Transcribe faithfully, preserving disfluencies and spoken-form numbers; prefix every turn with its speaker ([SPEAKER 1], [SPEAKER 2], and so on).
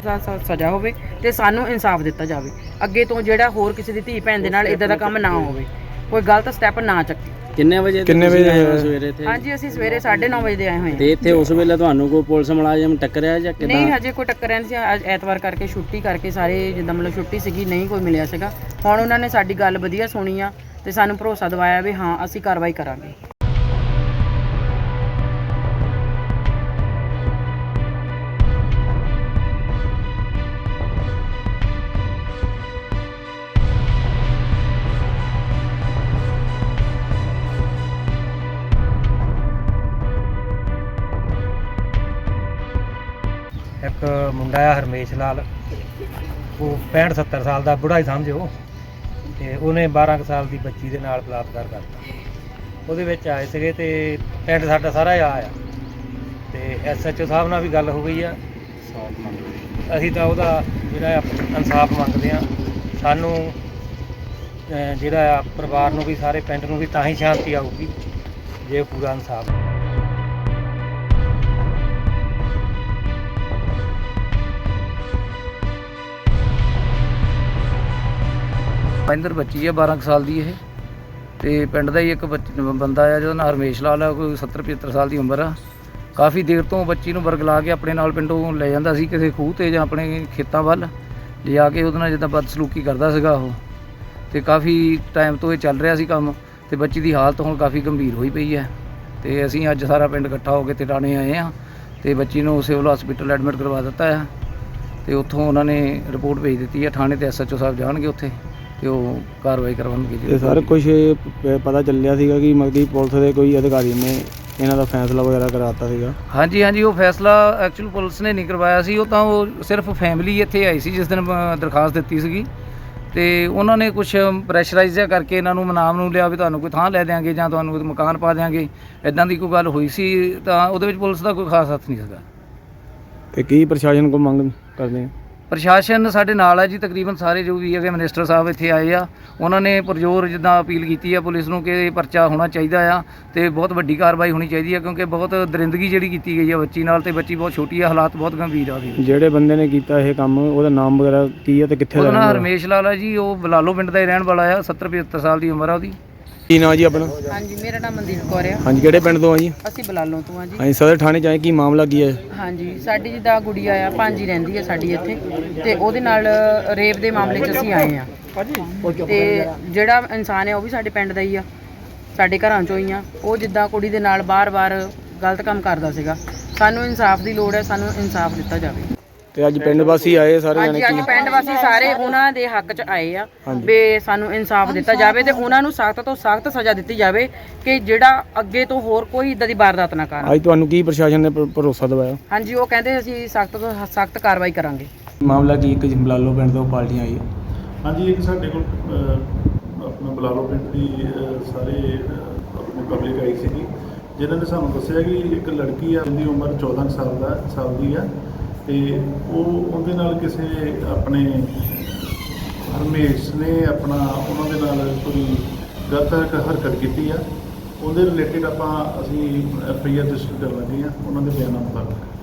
[SPEAKER 1] ਸਜ਼ਾ ਹੋਵੇ ਤੇ ਸਾਨੂੰ ਇਨਸਾਫ ਦਿੱਤਾ ਜਾਵੇ। ਅੱਗੇ ਤੋਂ ਜਿਹੜਾ ਹੋਰ ਕਿਸੇ ਦੀ ਧੀ ਭੈਣ ਦੇ ਨਾਲ ਇਦਾਂ ਦਾ ਕੰਮ ਨਾ ਹੋਵੇ, ਕੋਈ ਗਲਤ ਸਟੈਪ ਨਾ ਚੱਕੇ।
[SPEAKER 2] ਕਿੰਨੇ ਵਜੇ
[SPEAKER 3] ਕਿੰਨੇ ਵਜੇ ਆਏ ਹੋ
[SPEAKER 2] ਸਵੇਰੇ ਇੱਥੇ?
[SPEAKER 1] ਹਾਂਜੀ ਅਸੀਂ ਸਵੇਰੇ ਸਾਢੇ ਨੌ ਵਜੇ ਦੇ ਆਏ ਹੋਏ ਹਾਂ।
[SPEAKER 2] ਤੇ ਇੱਥੇ ਉਸ ਵੇਲੇ ਤੁਹਾਨੂੰ ਕੋਈ ਪੁਲਿਸ ਮੁਲਾਜ਼ਮ ਟੱਕਰਿਆ ਜਾਂ ਕਿੱਦਾਂ?
[SPEAKER 1] ਨਹੀਂ ਹਜੇ ਕੋਈ ਟੱਕਰਿਆ ਨਹੀਂ ਸੀ। ਅੱਜ ਐਤਵਾਰ ਕਰਕੇ ਛੁੱਟੀ ਕਰਕੇ ਸਾਰੇ ਜਿੱਦਾਂ ਮਤਲਬ ਛੁੱਟੀ ਸੀਗੀ, ਨਹੀਂ ਕੋਈ ਮਿਲਿਆ ਸੀਗਾ। ਹੁਣ ਉਹਨਾਂ ਨੇ ਸਾਡੀ ਗੱਲ ਵਧੀਆ ਸੁਣੀ ਆ ਤੇ ਸਾਨੂੰ ਭਰੋਸਾ ਦਿਵਾਇਆ ਵੀ ਹਾਂ ਅਸੀਂ ਕਾਰਵਾਈ ਕਰਾਂਗੇ।
[SPEAKER 4] ਇੱਕ ਮੁੰਡਾ ਆ ਹਰਮੇਸ਼ ਲਾਲ, ਉਹ ਪੈਂਹਠ ਸੱਤਰ ਸਾਲ ਦਾ ਬੁੜਾ ਹੀ ਸਮਝੋ, ਤੇ ਉਹਨੇ ਬਾਰਾਂ ਕੁ ਸਾਲ ਦੀ ਬੱਚੀ ਦੇ ਨਾਲ ਬਲਾਤਕਾਰ ਕਰਤਾ। ਉਹਦੇ ਵਿੱਚ ਆਏ ਸੀਗੇ ਤੇ ਪਿੰਡ ਸਾਡਾ ਸਾਰਾ ਆ ਆ ਤੇ ਐਸ ਐਚ ਓ ਸਾਹਿਬ ਨਾਲ ਵੀ ਗੱਲ ਹੋ ਗਈ ਆ। ਅਸੀਂ ਤਾਂ ਉਹਦਾ ਜਿਹੜਾ ਇਨਸਾਫ ਮੰਗਦੇ ਆ। ਸਾਨੂੰ ਜਿਹੜਾ ਆ ਪਰਿਵਾਰ ਨੂੰ ਵੀ ਸਾਰੇ ਪਿੰਡ ਨੂੰ ਵੀ ਤਾਂ ਹੀ ਸ਼ਾਂਤੀ ਆਊਗੀ ਜੇ ਪੂਰਾ ਇਨਸਾਫ।
[SPEAKER 5] ਇੰਦਰ ਬੱਚੀ ਆ ਬਾਰਾਂ ਕੁ ਸਾਲ ਦੀ। ਇਹ ਤੇ ਪਿੰਡ ਦਾ ਹੀ ਇੱਕ ਬੰਦਾ ਆ ਜਿਹਦਾ ਨਾਂ ਹਰਮੇਸ਼ ਲਾਲ ਆ, ਕੋਈ ਸੱਤਰ ਪਝੱਤਰ ਸਾਲ ਦੀ ਉਮਰ ਆ। ਕਾਫੀ ਦੇਰ ਤੋਂ ਬੱਚੀ ਨੂੰ ਵਰਗਲਾ ਕੇ ਆਪਣੇ ਨਾਲ ਪਿੰਡੋਂ ਲੈ ਜਾਂਦਾ ਸੀ ਕਿਸੇ ਖੂਹ 'ਤੇ ਜਾਂ ਆਪਣੇ ਖੇਤਾਂ ਵੱਲ ਲਿਜਾ ਕੇ ਉਹਦੇ ਨਾਲ ਜਿੱਦਾਂ ਬਦਸਲੂਕੀ ਕਰਦਾ ਸੀਗਾ ਉਹ। ਤੇ ਕਾਫੀ ਟਾਈਮ ਤੋਂ ਇਹ ਚੱਲ ਰਿਹਾ ਸੀ ਕੰਮ, ਤੇ ਬੱਚੀ ਦੀ ਹਾਲਤ ਹੁਣ ਕਾਫੀ ਗੰਭੀਰ ਹੋਈ ਪਈ ਹੈ। ਤੇ ਅਸੀਂ ਅੱਜ ਸਾਰਾ ਪਿੰਡ ਇਕੱਠਾ ਹੋ ਕੇ ਟਿਟਾਣੇ ਆਏ ਹਾਂ ਤੇ ਬੱਚੀ ਨੂੰ ਸਿਵਲ ਹਸਪੀਟਲ ਐਡਮਿਟ ਕਰਵਾ ਦਿੱਤਾ ਹੈ। ਤੇ ਉੱਥੋਂ ਉਹਨਾਂ ਨੇ ਰਿਪੋਰਟ ਭੇਜ ਦਿੱਤੀ ਹੈ ਥਾਣੇ, ਤੇ ਐਸ ਐਚ ਓ ਸਾਹਿਬ ਜਾਣਗੇ ਉੱਥੇ ਤੇ ਉਹ ਕਾਰਵਾਈ ਕਰਵਾਉਣਗੇ।
[SPEAKER 3] ਤੇ ਸਰ ਕੁਛ ਪਤਾ ਚੱਲਿਆ ਸੀਗਾ ਕਿ ਮਗਦੀ ਪੁਲਿਸ ਦੇ ਕੋਈ ਅਧਿਕਾਰੀ ਨੇ ਇਹਨਾਂ ਦਾ ਫੈਸਲਾ ਵਗੈਰਾ ਕਰਾਤਾ ਸੀਗਾ?
[SPEAKER 5] ਹਾਂਜੀ ਹਾਂਜੀ, ਉਹ ਫੈਸਲਾ ਐਕਚੁਅਲ ਪੁਲਿਸ ਨੇ ਨਹੀਂ ਕਰਵਾਇਆ ਸੀ। ਉਹ ਤਾਂ ਉਹ ਸਿਰਫ ਫੈਮਿਲੀ ਇੱਥੇ ਆਈ ਸੀ ਜਿਸ ਦਿਨ ਦਰਖਾਸਤ ਦਿੱਤੀ ਸੀਗੀ, ਤੇ ਉਹਨਾਂ ਨੇ ਕੁਛ ਪ੍ਰੈਸ਼ਰਾਈਜ਼ ਜਿਹਾ ਕਰਕੇ ਇਹਨਾਂ ਨੂੰ ਮਨਾਮ ਨੂੰ ਲਿਆ ਵੀ ਤੁਹਾਨੂੰ ਕੋਈ ਥਾਂ ਲੈ ਦਿਆਂਗੇ ਜਾਂ ਤੁਹਾਨੂੰ ਮਕਾਨ ਪਾ ਦਿਆਂਗੇ, ਇੱਦਾਂ ਦੀ ਕੋਈ ਗੱਲ ਹੋਈ ਸੀ। ਤਾਂ ਉਹਦੇ ਵਿੱਚ ਪੁਲਿਸ ਦਾ ਕੋਈ ਖਾਸ ਹੱਥ ਨਹੀਂ ਸੀਗਾ।
[SPEAKER 3] ਤੇ ਕੀ ਪ੍ਰਸ਼ਾਸਨ ਕੋਲ ਮੰਗ ਕਰਦੇ ਆ?
[SPEAKER 5] ਪ੍ਰਸ਼ਾਸਨ ਸਾਡੇ ਨਾਲ ਹੈ ਜੀ, ਤਕਰੀਬਨ ਸਾਰੇ ਜੋ ਵੀ ਹੈਗੇ ਮਿਨਿਸਟਰ ਸਾਹਿਬ ਇੱਥੇ ਆਏ ਆ। ਉਹਨਾਂ ਨੇ ਪੁਰਜੋਰ ਜਿੱਦਾਂ ਅਪੀਲ ਕੀਤੀ ਆ ਪੁਲਿਸ ਨੂੰ ਕਿ ਪਰਚਾ ਹੋਣਾ ਚਾਹੀਦਾ ਆ ਤੇ ਬਹੁਤ ਵੱਡੀ ਕਾਰਵਾਈ ਹੋਣੀ ਚਾਹੀਦੀ ਆ, ਕਿਉਂਕਿ ਬਹੁਤ ਦਰਿੰਦਗੀ ਜਿਹੜੀ ਕੀਤੀ ਗਈ ਆ ਬੱਚੀ ਨਾਲ, ਤੇ ਬੱਚੀ ਬਹੁਤ ਛੋਟੀ ਆ, ਹਾਲਾਤ ਬਹੁਤ ਗੰਭੀਰ ਆ ਉਹਦੇ।
[SPEAKER 3] ਜਿਹੜੇ ਬੰਦੇ ਨੇ ਕੀਤਾ ਇਹ ਕੰਮ ਉਹਦਾ ਨਾਮ ਵਗੈਰਾ ਕੀ ਆ ਤੇ ਕਿੱਥੇ ਦਾ?
[SPEAKER 5] ਉਹਦਾ ਨਾਮ ਹਰਮੇਸ਼ ਲਾਲ ਆ ਜੀ, ਉਹ ਬਲਾਲੋ ਪਿੰਡ ਦਾ ਹੀ ਰਹਿਣ ਵਾਲਾ ਆ। ਸੱਤਰ ਪਝੱਤਰ ਸਾਲ ਦੀ ਉਮਰ ਆ ਉਹਦੀ।
[SPEAKER 3] ਕੀ ਨਾਂ ਜੀ ਆਪਣਾ?
[SPEAKER 1] ਹਾਂਜੀ ਮੇਰਾ ਨਾਮ ਮਨਦੀਪ ਕੌਰ ਆ।
[SPEAKER 3] ਹਾਂਜੀ, ਕਿਹੜੇ ਪਿੰਡ ਤੋਂ ਆ ਜੀ?
[SPEAKER 1] ਅਸੀਂ ਬਲਾਲੋਂ ਤੋਂ ਆ ਜੀ।
[SPEAKER 3] ਹਾਂਜੀ, ਸਦਰ ਥਾਣੇ 'ਚ ਆਏ, ਕੀ ਮਾਮਲਾ ਕੀ ਹੈ?
[SPEAKER 1] ਹਾਂਜੀ ਸਾਡੀ ਜਿੱਦਾਂ ਗੁੜੀਆ ਆ, ਭਾਂਜੀ ਰਹਿੰਦੀ ਆ ਸਾਡੀ ਇੱਥੇ, ਤੇ ਉਹਦੇ ਨਾਲ ਰੇਪ ਦੇ ਮਾਮਲੇ 'ਚ ਅਸੀਂ ਆਏ ਆ। ਤੇ ਜਿਹੜਾ ਇਨਸਾਨ ਹੈ ਉਹ ਵੀ ਸਾਡੇ ਪਿੰਡ ਦਾ ਹੀ ਆ, ਸਾਡੇ ਘਰਾਂ 'ਚੋਂ ਹੀ ਆ। ਉਹ ਜਿੱਦਾਂ ਕੁੜੀ ਦੇ ਨਾਲ ਬਾਰ-ਬਾਰ ਗਲਤ ਕੰਮ ਕਰਦਾ ਸੀਗਾ। ਸਾਨੂੰ ਇਨਸਾਫ ਦੀ ਲੋੜ ਹੈ, ਸਾਨੂੰ ਇਨਸਾਫ ਦਿੱਤਾ ਜਾਵੇ।
[SPEAKER 3] ਤੇ ਅੱਜ ਪਿੰਡ ਵਾਸੀ ਆਏ ਸਾਰੇ ਜਾਣੇ?
[SPEAKER 1] ਹਾਂਜੀ ਅੱਜ ਪਿੰਡ ਵਾਸੀ ਸਾਰੇ ਉਹਨਾਂ ਦੇ ਹੱਕ 'ਚ ਆਏ ਆ ਵੀ ਸਾਨੂੰ ਇਨਸਾਫ ਦਿੱਤਾ ਜਾਵੇ ਤੇ ਉਹਨਾਂ ਨੂੰ ਸਖਤ ਤੋਂ ਸਖਤ ਸਜ਼ਾ ਦਿੱਤੀ ਜਾਵੇ ਕਿ ਜਿਹੜਾ ਅੱਗੇ ਤੋਂ ਹੋਰ ਕੋਈ ਇਦਾਂ ਦੀ ਵਾਰਦਾਤ ਨਾ ਕਰਨ।
[SPEAKER 3] ਅੱਜ ਤੁਹਾਨੂੰ ਕੀ ਪ੍ਰਸ਼ਾਸਨ ਨੇ ਭ- ਭਰੋਸਾ ਦਿਵਾਇਆ?
[SPEAKER 1] ਹਾਂਜੀ ਉਹ ਕਹਿੰਦੇ ਅਸੀਂ ਸਖਤ ਤੋਂ ਸਖਤ ਕਾਰਵਾਈ ਕਰਾਂਗੇ।
[SPEAKER 3] ਮਾਮਲਾ ਕੀ ਇੱਕ ਬਲਾਲੋ ਪਿੰਡ ਤੋਂ ਪਾਰਟੀਆਂ ਆਈ?
[SPEAKER 6] ਹਾਂਜੀ ਇੱਕ ਸਾਡੇ ਕੋਲ ਅਹ, ਆਪਣਾ ਬਲਾਲੋ ਪਿੰਡ ਦੀ ਅਹ, ਸਾਰੇ ਅਹ, ਆਪਣੀ ਪਬਲਿਕ ਆਈ ਸੀਗੀ, ਜਿਨ੍ਹਾਂ ਨੇ ਸਾਨੂੰ ਦੱਸਿਆ ਕਿ ਇੱਕ ਲੜਕੀ ਆ, ਜਿਹਦੀ ਉਮਰ ਚੌਦਾਂ ਸਾਲ ਦਾ ਸਾਲ ਦੀ ਆ, ਤੇ ਉਹ ਉਹਦੇ ਨਾਲ ਕਿਸੇ ਆਪਣੇ ਹਰਮੇਸ਼ ਨੇ ਆਪਣਾ ਉਹਨਾਂ ਦੇ ਨਾਲ ਕੋਈ ਗਲਤ ਹਰਕਤ ਕੀਤੀ ਆ। ਉਹਦੇ ਰਿਲੇਟਿਡ ਆਪਾਂ ਅਸੀਂ ਐਫ ਆਈ ਆਰ ਰਜਿਸਟਰ ਕਰਨ ਲੱਗੇ ਆ ਉਹਨਾਂ ਦੇ ਬਿਆਨਾਂ ਮੁਤਾਬਕ।